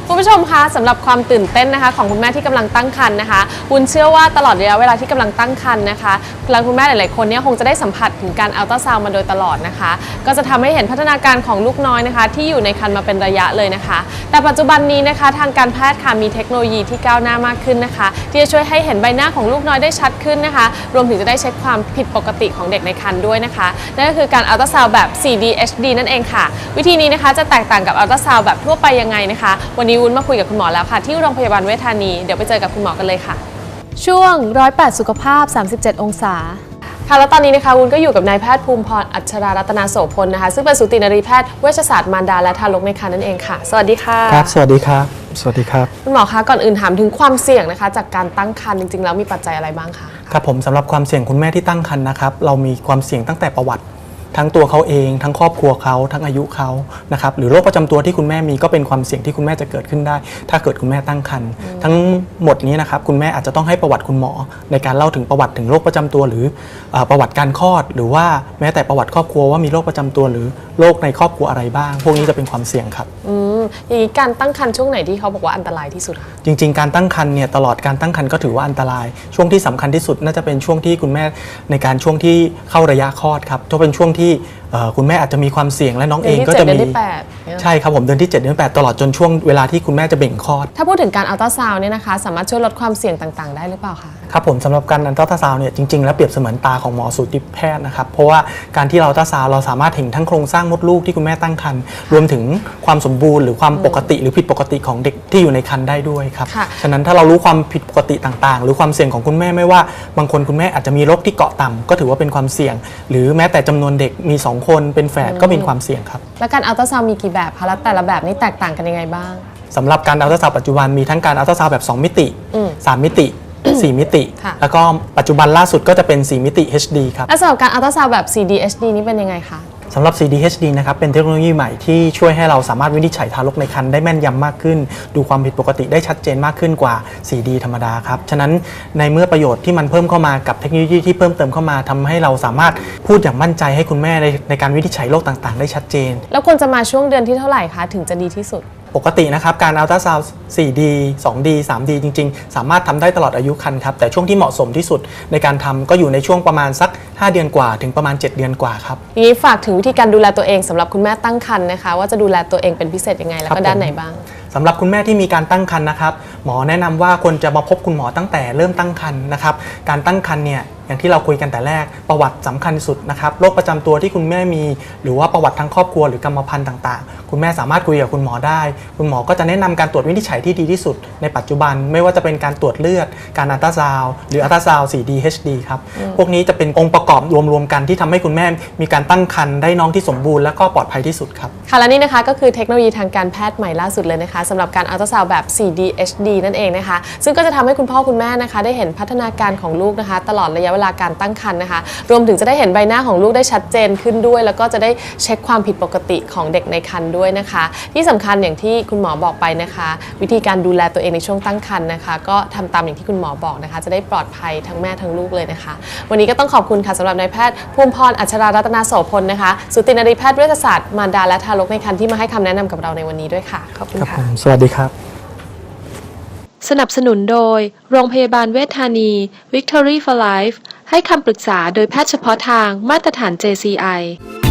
คุณผู้ชมคะสำหรับความตื่นเต้นนะคะของคุณแม่ที่กำลังตั้งครรภ์นะคะวุ้นเชื่อว่าตลอดระยะเวลาที่กำลังตั้งครรภ์นะคะคุณแม่หลายๆคนเนี่ยคงจะได้สัมผัสถึงการอัลตราซาวด์มาโดยตลอดนะคะก็จะทำให้เห็นพัฒนาการของลูกน้อยนะคะที่อยู่ในครรภ์มาเป็นระยะเลยนะคะแต่ปัจจุบันนี้นะคะทางการแพทย์ค่ะมีเทคโนโลยีที่ก้าวหน้ามากขึ้นนะคะที่จะช่วยให้เห็นใบหน้าของลูกน้อยได้ชัดขึ้นนะคะรวมถึงจะได้เช็คความผิดปกติของเด็กในครรภ์ด้วยนะคะนั่นก็คือการอัลตราซาวด์แบบ 4D HD นั่นเองค่ะวิธีนี้นะคะจะแตกต่างกับอัลตราซาวด์แบบทั่วไปยังไงนะคะวันนี้วุ้นมาคุยกับคุณหมอแล้วค่ะที่โรงพยาบาลเวชธานีเดี๋ยวไปเจอกับคุณหมอกันเลยค่ะช่วง108สุขภาพ37องศาค่ะแล้วตอนนี้นะคะวุ้นก็อยู่กับนายแพทย์ภูมิพรอัชรารัตนาโสพลนะคะซึ่งเป็นสูตินรีแพทย์เวชศาสตร์มารดาและทารกในครรภ์นั่นเองค่ะสวัสดีค่ะครับสวัสดีครับสวัสดีครับคุณหมอคะก่อนอื่นถามถึงความเสี่ยงนะคะจากการตั้งครรภ์จริงๆแล้วมีปัจจัยอะไรบ้างคะครับผมสำหรับความเสี่ยงคุณแม่ที่ตั้งครรภ์นะครับเรามีความเสี่ยงตั้งแต่ประวัติทั้งตัวเขาเองทั้งครอบครัวเขาทั้งอายุเขานะครับหรือโรคประจำตัวที่คุณแม่มีก็เป็นความเสี่ยงที่คุณแม่จะเกิดขึ้นได้ถ้าเกิดคุณแม่ตั้งครรภ์ทั้งหมดนี้นะครับคุณแม่อาจจะต้องให้ประวัติคุณหมอในการเล่าถึงประวัติถึงโรคประจำตัวหรือประวัติการคลอดหรือว่าแม้แต่ประวัติครอบครัวว่ามีโรคประจำตัวหรือโรคในครอบครัวอะไรบ้างพวกนี้จะเป็นความเสี่ยงครับอย่างนี้การตั้งครรภ์ช่วงไหนที่เขาบอกว่าอันตรายที่สุดคะจริงๆการตั้งครรภ์เนี่ยตลอดการตั้งครรภ์ก็ถือว่าอันตรายช่วงที่สำคัญที่สุดน่าจะเป็นช่วงที่คุณแม่ในการช่วงที่เข้าระยะคลอดครับจะเป็นช่วงที่คุณแม่อาจจะมีความเสี่ยงและน้องเองก็จะมีใช่ครับผมเดือนที่7เดือน8ตลอดจนช่วงเวลาที่คุณแม่จะเบ่งคลอดถ้าพูดถึงการอัลตราซาวน์เนี่ยนะคะสามารถช่วยลดความเสี่ยงต่างๆได้หรือเปล่าคะครับผมสำหรับการอัลตราซาวน์เนี่ยจริงๆแล้วเปรียบเสมือนตาของหมอสูติแพทย์นะครับเพราะว่าการที่เราอัลตราซาวน์เราสามารถเห็นทั้งโครงสร้างมดลูกที่คุณแม่ตั้งครรภ์รวมถึงความสมบูรณ์หรือความปกติหรือผิดปกติของเด็กที่อยู่ในครรภ์ได้ด้วยครับฉะนั้นถ้าเรารู้ความผิดปกติต่างๆหรือความเสี่ยงของคุณแม่ไม่ว่าบางคนคุณแม่อาจจะมีโรคที่เกาะต่ำก็ถือว่าเป็นความเสี่ยงหรือแม้แต่จำนวนเด็กมี2คนเป็นแฝดก็เป็นความเสี่ยงครับและการอัลตราซาวน์มีกี่แบบคะและแต่ละแบบนี้แตกต่างกันยังไงบ้างสำหรับการอัลตราซาวด์ปัจจุบันมีทั้งการอัลตราซาวด์แบบ2มิติ3มิติ4มิติแล้วก็ปัจจุบันล่าสุดก็จะเป็น4มิติ HD ครับและสำหรับการอัลตราซาวด์แบบ 4D HD นี้เป็นยังไงคะสำหรับ 4D HD นะครับเป็นเทคโนโลยีใหม่ที่ช่วยให้เราสามารถวินิจฉัยทารกในครรภ์ได้แม่นยำมากขึ้นดูความผิดปกติได้ชัดเจนมากขึ้นกว่า 4D ธรรมดาครับฉะนั้นในเมื่อประโยชน์ที่มันเพิ่มเข้ามากับเทคโนโลยีที่เพิ่มเติมเข้ามาทำให้เราสามารถพูดอย่างมั่นใจให้คุณแม่ในการวินิจฉัยโรคต่างๆได้ชัดเจนแล้วควรจะมาช่วงเดือนที่เท่าไหร่คะถึงจะดีที่สุดปกตินะครับการอัลตราซาวด์ 4D 2D 3D จริงๆสามารถทำได้ตลอดอายุครรภ์ครับแต่ช่วงที่เหมาะสมที่สุดในการทำก็อยู่ในช่วงประมาณสัก5เดือนกว่าถึงประมาณ7เดือนกว่าครับอย่างนี้ฝากถึงวิธีการดูแลตัวเองสำหรับคุณแม่ตั้งครรภ์นะคะว่าจะดูแลตัวเองเป็นพิเศษยังไงแล้วก็ด้านไหนบ้างสำหรับคุณแม่ที่มีการตั้งครรภ์นะครับหมอแนะนำว่าควรจะมาพบคุณหมอตั้งแต่เริ่มตั้งครรภ์นะครับการตั้งครรภ์เนี่ยอย่างที่เราคุยกันแต่แรกประวัติสำคัญสุดนะครับโรคประจำตัวที่คุณแม่มีหรือว่าประวัติทางครอบครัวหรือกรรมพันธุ์ต่างๆคุณแม่สามารถคุยกับคุณหมอได้คุณหมอก็จะแนะนำการตรวจวินิจฉัยที่ดีที่สุดในปัจจุบันไม่ว่าจะเป็นการตรวจเลือดการอัลตราซาวด์หรืออัลตราซาวด์ 4D HD ครับพวกนี้จะเป็นองค์ประกอบรวมๆกันที่ทำให้คุณแม่มีการตั้งครรภ์ได้น้องที่สมบูรณ์และก็ปลอดภัยที่สุดครับค่ะและนี่นะคะก็คือเทคโนโลยีทางการแพทย์ใหม่ล่าสุดเลยนะคะสำหรับการอัลตราซาวด์แบบ 4D HD นั่นเองนะคะซึ่งก็จะทำให้คุณพ่อคุณแม่นะคะได้เห็นพัฒนาการของลูกนะคะตลอดระยะเวลาการตั้งครรภ์นะคะรวมถึงจะได้เห็นใบหน้าของลูกได้ชัดเจนขึ้นด้วยแล้วก็จะได้เช็คความผิดปกติของเด็กในครรภ์ด้วยนะคะที่สำคัญอย่างที่คุณหมอบอกไปนะคะวิธีการดูแลตัวเองในช่วงตั้งครรภ์นะคะก็ทำตามอย่างที่คุณหมอบอกนะคะจะได้ปลอดภัยทั้งแม่ทั้งลูกเลยนะคะวันนี้ก็ต้องขอบคุณค่ะสำหรับนายแพทย์ภูมิพรอัชรารัตนาโสพลนะคะสูตินรีแพทย์เวชศาสตร์มารดาและทารกในครรภ์ที่มาให้คำแนะนำกับเราในวันนี้ด้วยค่ะขอบคุณค่ะสวัสดีครับสนับสนุนโดยโรงพยาบาลเวชธานี Victory for Life ให้คำปรึกษาโดยแพทย์เฉพาะทางมาตรฐาน JCI